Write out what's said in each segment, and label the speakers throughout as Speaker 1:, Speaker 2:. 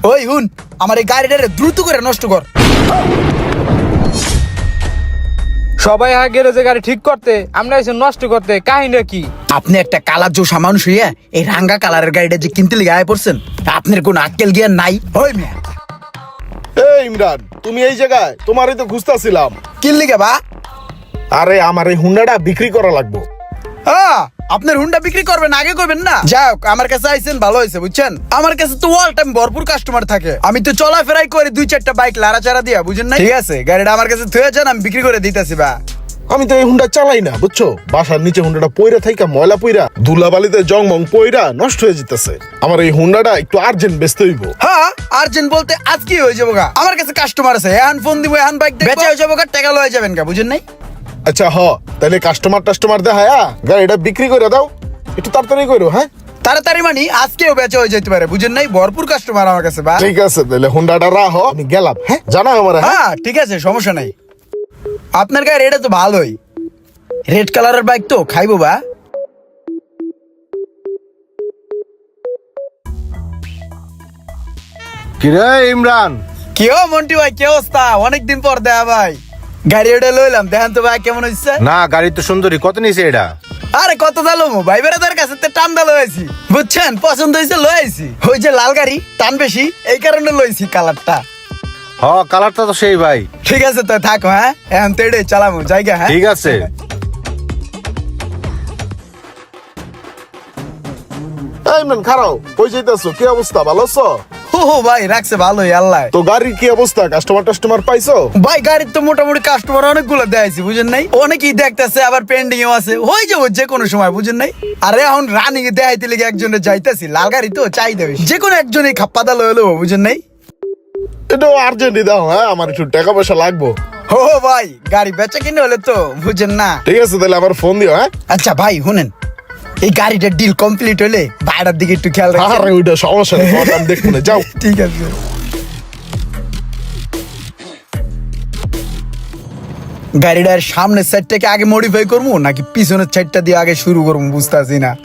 Speaker 1: ওই হুন, আমার এই গাড়িটারে দ্রুত করে নষ্ট কর।
Speaker 2: সবাই গ্যারেজে গাড়ি ঠিক করতে, আমরা এসে নষ্ট করতে, কাহিনী কি?
Speaker 1: আপনি একটা কালার জোসা মানুষ হইয়া এই রাঙ্গা কালারের গাড়িটা যে কিনতে লিগে আয় পড়ছেন, আপনার কোন আক্কেল জ্ঞান নাই? ওই মিয়া,
Speaker 3: এই ইমরান, তুমি এই জায়গায়? তোমারই তো খুঁজতেছিলাম।
Speaker 1: কিন লিগে বা?
Speaker 3: আরে আমার এই হুন্ডাটা বিক্রি করা লাগবে।
Speaker 1: হ্যাঁ, আপনার হুন্ডা বিক্রি করবেন, আগে করবেন না? যাই হোক, আমার কাছে আইছেন ভালো হয়েছে, বুঝছেন? আমার কাছে তো অল টাইম ভরপুর কাস্টমার থাকে। আমি তো চলাফেরাই করি 2-4টা বাইক লাড়াচাড়া দিয়া, বুঝেন না? ঠিক আছে, গাড়িটা আমার কাছে থুয়ে যান, আমি বিক্রি করে দিতেছি বা।
Speaker 3: আমি তো এই হুন্ডা চালাই না, বুঝছো? বাসার নিচে হুন্ডাটা পইরা থাইকা ময়লা পইরা ধুলাবালিতে জংমং পইরা নষ্ট হয়ে যেতেছে। আমার এই হুন্ডাটা একটু আর্জেন্ট বেচতে হইব।
Speaker 1: হ্যাঁ, আর্জেন্ট বলতে আজকে হয়ে যাবো গা। আমার কাছে কাস্টমার আছে, এখন ফোন দিব, এখন বাইক বেচে হয়ে যাবো গা, টাকা লয়ে যাবেন গা, বুঝেন নাই?
Speaker 3: আচ্ছা তাহলে কাস্টমার দেখায়া গাড়িটা বিক্রি করে দাও, একটু তাড়াতাড়ি করো। হ্যাঁ,
Speaker 1: তাড়াতাড়ি মানে আজকেও বেচা হয়ে যেতে পারে, বুঝেন নাই? ভরপুর কাস্টমার আমার কাছে বা।
Speaker 3: ঠিক আছে, তাহলে হুন্ডাটা রাখো, আমি গেলাম। হ্যাঁ, জানা আমার।
Speaker 1: হ্যাঁ ঠিক আছে, সমস্যা নাই। আপনার গায়ে এটা তো ভালোই, রেড কালারের বাইক তো খাইবো বা।
Speaker 4: কিরে ইমরান?
Speaker 1: কেউ মন্টি ভাই, কি অবস্থা? অনেকদিন পর দেখা ভাই। গাড়ি ওটা লইলাম, দেখেন তো ভাই কেমন হচ্ছে।
Speaker 4: না, গাড়ি তো সুন্দরী। কত নিছে এটা?
Speaker 1: আরে কত দালো ভাই, বেড়াদার কাছে তো টান দালো হয়েছি, বুঝছেন? পছন্দ হয়েছে লয়েছি। ওই যে লাল গাড়ি, টান বেশি, এই কারণে লইছি কালারটা।
Speaker 4: কালারটা তো সেই ভাই।
Speaker 1: ঠিক আছে তো থাকো, হ্যাঁ এখন তো এটাই চালামো জায়গা। হ্যাঁ
Speaker 4: ঠিক আছে।
Speaker 3: এই ইমরান, খারাও, কই যাইতাছো? কি অবস্থা, ভালো আছো?
Speaker 1: ও ভাই, রাখছে ভালোই আল্লাহ।
Speaker 3: তো গাড়ির কি অবস্থা? কাস্টমার পাইছো?
Speaker 1: ভাই গাড়ির তো মোটামুটি কাস্টমার অনেকগুলো দেখাইছি, বুঝেন নাই? অনেকেই দেখতেছে, আবার পেন্ডিং এও আছে, হয়ে যাবো যে কোনো সময়, বুঝেন নাই? আরে এখন রানিং এ দেখাইতে লেগে একজনের যাইতেছি, লাল গাড়ি তো চাহিদা বেশি, যে কোনো একজনই খাপ্পাদা লয়ে লবো, বুঝেন নাই?
Speaker 3: এটাও আর্জেন্টই দাও। হ্যাঁ, আমার একটু টাকা পয়সা লাগবো।
Speaker 1: ও ভাই, গাড়ি বেচা কিনে হলে তো, বুঝেন না?
Speaker 3: ঠিক আছে, তাহলে আমার ফোন দিও। হ্যাঁ,
Speaker 1: আচ্ছা ভাই শুনেন, এই গাড়িটার ডিল কমপ্লিট হলে ভাড়ার দিকে একটু খেয়াল রাখবেন।
Speaker 3: আরে ওইটা সমস্যা নেই, তোমার দাম দেখবো না, যাও।
Speaker 1: ঠিক আছে। গাড়িটার সামনের সাইডটাকে আগে মডিফাই করবো নাকি পিছনের সাইডটা দিয়ে আগে শুরু করবো, বুঝতেছি না।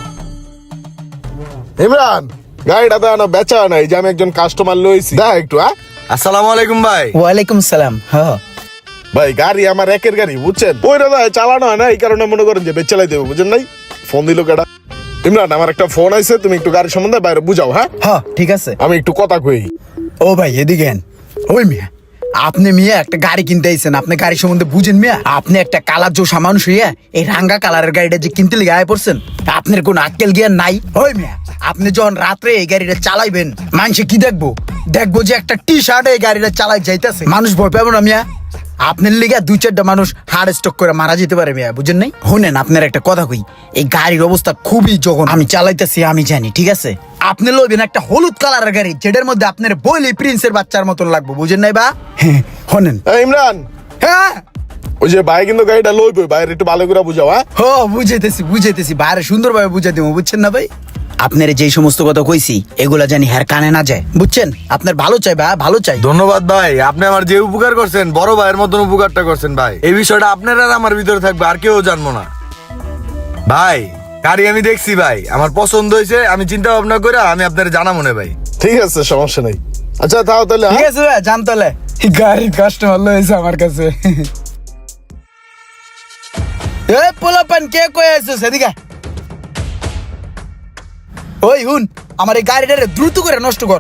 Speaker 3: ইমরান, গাড়িটা তো এখনো বেচা নাই, যে আমি একজন কাস্টমার লইছি, দেখ একটু। হ্যাঁ,
Speaker 4: আসসালামু আলাইকুম ভাই।
Speaker 1: ওয়ালাইকুম সালাম। হ্যাঁ
Speaker 3: ভাই, গাড়ি আমার একের গাড়ি, বুঝছেন? ওইটা তো চালানো হয় না, এই কারণে মনে করেন যে বেচ চালাই দেবো, বুঝেন নাই? ফোন দিল কেডা? ইমরান, আমার একটা ফোন আছে, তুমি একটু গাড়ির সম্বন্ধে বাইরে বুঝাও। হ্যাঁ,
Speaker 1: হ্যাঁ ঠিক আছে।
Speaker 3: আমি একটু কথা কই।
Speaker 1: ও ভাই এদিকে আন। ওই মিয়া, আপনি মিয়া একটা গাড়ি কিনতে আইছেন, আপনি গাড়ি সম্বন্ধে বুঝেন মিয়া? আপনি একটা কালার জোসা মানুষ হইয়া এই রাঙ্গা কালারের গাড়িটা যে কিনতে লিগে আয় পড়ছেন, আপনার কোন আক্কেল জ্ঞান নাই? ওই মিয়া, আপনি যখন রাত্রে এই গাড়িটা চালাইবেন, মানুষে কি দেখবো? দেখবো যে একটা টি শার্টে এই গাড়িটা চালাই যাইতেছে, মানুষ ভয় পাবো না মিয়া? আপনার লিগে 2-4টা মানুষ হার্ট স্ট্রোক করে মারা যেতে পারে মিয়া, বুঝেন নাই? শুনেন, আপনার একটা কথা কই, এই গাড়ির অবস্থা খুবই যখন আমি চালাইতেছি, আমি জানি, ঠিক আছে? আপনি লইবেন একটা হলুদ কালারের গাড়ি, যেটার মধ্যে আপনার বইলি প্রিন্সের বাচ্চার মতন লাগবে, বুঝেন নাই বা? হ্যাঁ শুনেন।
Speaker 3: এই ইমরান,
Speaker 1: হ্যাঁ
Speaker 3: ওই যে ভাই কিন্তু গাড়িটা লইবে, বাইরে একটু ভালো করে বুঝাও। হ্যাঁ,
Speaker 1: হো, বুঝাইতেছি বাইরে সুন্দরভাবে বুঝাই দেবো, বুঝছেন না ভাই? আপনার যেই সমস্ত কথা কইছি এগুলা জানি হ্যার কানে না যায়, বুঝছেন? আপনার ভালো চাই ভাই, ভালো চাই।
Speaker 4: ধন্যবাদ ভাই, আপনি আমার যে উপকার করছেন, বড় ভাইয়ের মতন উপকারটা করছেন ভাই। এই বিষয়টা আপনার আর আমার ভিতরে থাকবে, আর কেউ জানবো না ভাই। গাড়ি আমি দেখছি ভাই, আমার পছন্দ হয়েছে, আমি চিন্তা ভাবনা করে আমি আপনার জানা মনে ভাই।
Speaker 3: ঠিক আছে, সমস্যা নেই। আচ্ছা তাও তাহলে।
Speaker 1: ঠিক আছে ভাই, জানতলে গাড়ির কাস্টমার লয়েছে আমার কাছে। এ পোলাপান, কে কই আছিস এদিকে? ওই হুন, আমার এই গাড়িটারে দ্রুত করে নষ্ট কর।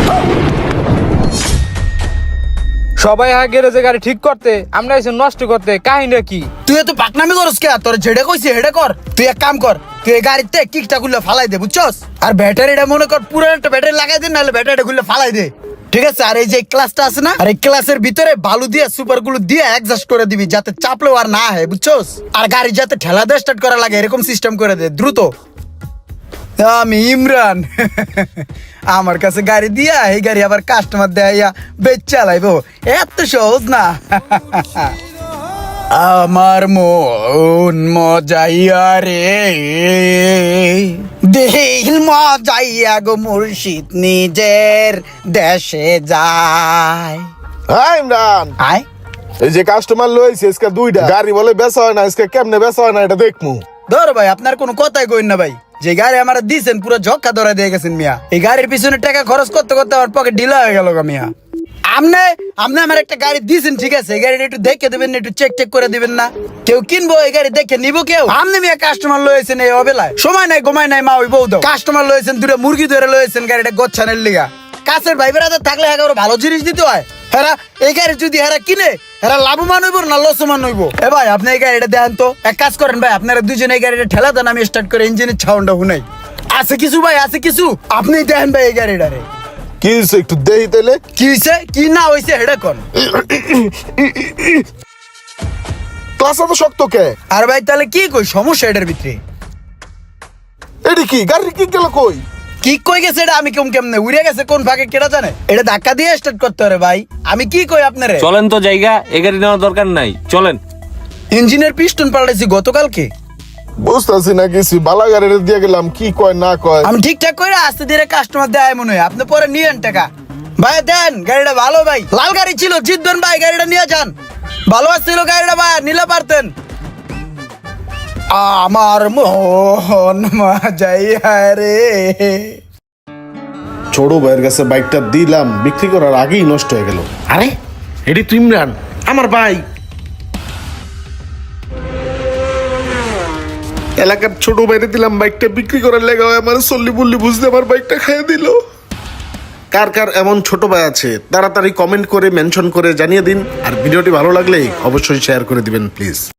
Speaker 2: সবাই গ্যারেজে গাড়ি ঠিক করতে, আমরা এসে নষ্ট করতে, কাহিনী কি?
Speaker 1: তুই তো পাকনামি করস কে? তোর যেটা কইছি হেডে কর। তুই এক কাম কর, তুই এই গাড়িতে কিকটা খুললে ফালাই দে, বুঝছস? আর ব্যাটারিটা মনে কর পুরো একটা ব্যাটারি লাগাই দে, নাহলে ব্যাটারিটা খুললে ফালাই দে, ঠিক আছে? আর এই যে ক্লাসটা আছে না, আর এই ক্লাসের ভিতরে বালু দিয়ে সুপার গুলো দিয়ে অ্যাডজাস্ট করে দিবি, যাতে চাপলেও আর না হয়, বুঝছস? আর গাড়ি যাতে ঠেলা দিয়ে স্টার্ট করা লাগে এরকম সিস্টেম করে দে দ্রুত। আমি ইমরান, আমার কাছে গাড়ি দিয়া এই গাড়ি আবার কাস্টমার দেয়া বেচ চালাইবো, এত সহজ না। আমার মন মজাইয়া রে, দিল মজাইয়া গো মুর্শিদ নিজের দেশে যায়।
Speaker 3: হ্যাঁ ইমরান,
Speaker 1: আয়
Speaker 3: এই যে কাস্টমার লইছে আজকে 2টা গাড়ি, বলে বেচা হয় না আজকে, কেমনে বেচা হয় না এটা দেখমু।
Speaker 1: ধর ভাই, আপনার কোনো কথাই কইন না ভাই, যে গাড়ি আমার দিয়েছেন পুরো ঝক্কা ধরে দিয়ে গেছেন মিয়া। এই গাড়ির পিছনে টাকা খরচ করতে করতে আমার পকেট ঢিলা হয়ে গেল মিয়া। আপনি আপনি আমার একটা গাড়ি দিয়েছেন ঠিক আছে, এই গাড়িটা একটু দেখে দিবেন না, একটু চেক করে দিবেন না? কেউ কিনবো এই গাড়ি দেখে নিবো কেউ? আপনি মিয়া কাস্টমার লয়েছেন এই অবেলায়, সময় নাই ঘুমায় নাই মা ওই বউ দাও। কাস্টমার লয়েছেন দুটো মুরগি ধরে লয়েছেন গাড়িটা গোচ্ছানের লিগা। কাছের ভাই বেড়াতে থাকলে একেবারে ভালো জিনিস দিতে হয়। হেরা এই গাড়ি যদি হেরা কিনে হেরা লাভবান হইব না লসমান হইব? এ ভাই আপনি এই গাড়িটা দেন তো, এক কাজ করেন ভাই, আপনারা দুজনে এই গাড়িটা ঠেলা দেন, আমি স্টার্ট করে ইঞ্জিনের সাউন্ডটা শুনাই। আছে কিছু ভাই, আছে কিছু, আপনি দেখেন ভাই এই গাড়িটারে
Speaker 3: কি হয়েছে একটু দেই তাইলে।
Speaker 1: কি হয়েছে কি না হয়েছে হেডা কোন।
Speaker 3: ক্লাস এত শক্ত কে?
Speaker 1: আর ভাই তাহলে কি কই সমস্যা এটার ভিতরে?
Speaker 3: এটি কি গাড়ি কি গেল কই?
Speaker 1: কি কই গেছে এটা আমি কেমনে উড়ে গেছে কোন ভাগে কেটা জানে? এটা ধাক্কা দিয়ে স্টার্ট করতে হবে ভাই, আমি কি কই আপনারে?
Speaker 5: চলেন তো জায়গা, এ গাড়ি নেওয়ার দরকার নাই, চলেন।
Speaker 1: ইঞ্জিনের পিস্টন পাল্টাইছি গতকালকে।
Speaker 3: বুঝতেছি না কিছু, বালা গাড়িটা দিয়ে গেলাম, কি কয় না কয়।
Speaker 1: আমি ঠিকঠাক করে আস্তে ধীরে কাস্টমার দেয় মনে হয়, আপনি পরে নিয়েন টাকা। ভাই দেন গাড়িটা ভালো ভাই, লাল গাড়ি ছিল, জিতবেন ভাই, গাড়িটা নিয়ে যান। ভালো আসছিল গাড়িটা ভাই, নিলে পারতেন। আমার মোহন যাইয়া রে।
Speaker 3: ছোট ভাইয়ের কাছে বাইকটা দিলাম, বিক্রি করার আগেই নষ্ট হয়ে গেল। আরে এটি তো ইমরান, আমার ভাই। এলাকার ছোট ভাইরে দিলাম বাইকটা বিক্রি করার লেগে, আমার চল্লি বললি বুঝতে আমার বাইকটা খাইয়ে দিল। কার কার এমন ছোট ভাই আছে তাড়াতাড়ি কমেন্ট করে মেনশন করে জানিয়ে দিন, আর ভিডিওটি ভালো লাগলে অবশ্যই শেয়ার করে দিবেন প্লিজ।